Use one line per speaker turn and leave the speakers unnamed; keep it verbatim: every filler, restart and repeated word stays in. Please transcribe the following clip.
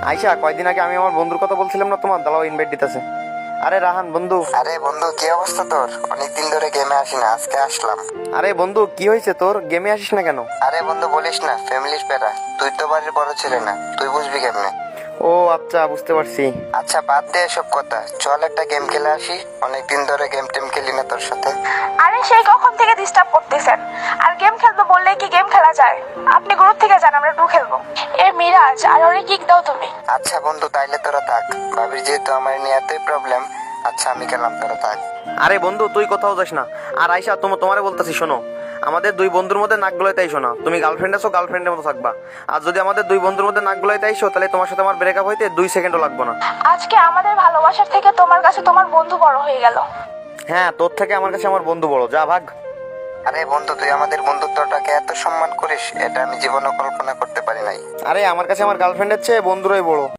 আইসা কয়দিন আগে আমি আমার বন্ধুর কথা বলছিলাম না তোমার, দাঁড়াও ইনভাইট দিতেছে। আরে রাহান বন্ধু।
আরে বন্ধু, কি অবস্থা তোর? অনেকদিন ধরে গেমে আসি না, আজকে আসলাম।
আরে বন্ধু কি হয়েছে তোর, গেমে আসিস না কেন?
আরে বন্ধু বলিস না, ফ্যামিলির প্যারা। তুই তো বাড়ির বড় ছেলে না, তুই বুঝবি কেমনে?
ও আচ্ছা, বুঝতে পারছি।
আচ্ছা বাদ দে এসব কথা, চল একটা গেম খেলে আসি। অনেকদিন ধরে গেম টেম খেলি না তোর সাথে।
আরে সেই কখন থেকে ডিস্টার্ব করতেছেন? আর গেম খেলবো বললেই কি গেম খেলা যায়? আপনি গ্রুপ থেকে যান, আমরা টু খেলবো। এ মিরাজ, আর ওরে কিক দাও তুমি।
আচ্ছা বন্ধু তাইলে তোরা থাক, ভাবির যেহেতু আমার নিয়ে এতই প্রবলেম। আচ্ছা আমি গেলাম, তোরা থাক।
আরে বন্ধু তুই কোথাও যাস না। আর আইসা তোমার তোমারে বলতেছি শোনো, আমাদের দুই বন্ধুর মধ্যে নাক গলাইতে আইসো না। তুমি গার্লফ্রেন্ড আছো, গার্লফ্রেন্ডের মতো থাকবা। আর যদি আমাদের দুই বন্ধুর মধ্যে নাক গলাইতে আইসো, তাহলে তোমার সাথে আমার ব্রেকআপ হইতে দুই সেকেন্ডও লাগবে না।
আজকে আমাদের ভালোবাসার থেকে তোমার কাছে তোমার বন্ধু বড় হয়ে গেল।
হ্যাঁ, তোর থেকে আমার কাছে আমার বন্ধু বড়, যা ভাগ।
আরে বন্ধু, তুই আমাদের বন্ধুত্বটাকে এত সম্মান করিস, এটা আমি জীবনে কল্পনা করতে পারি নাই।
আরে আমার কাছে আমার গার্লফ্রেন্ডের চেয়ে বন্ধুরাই বড়।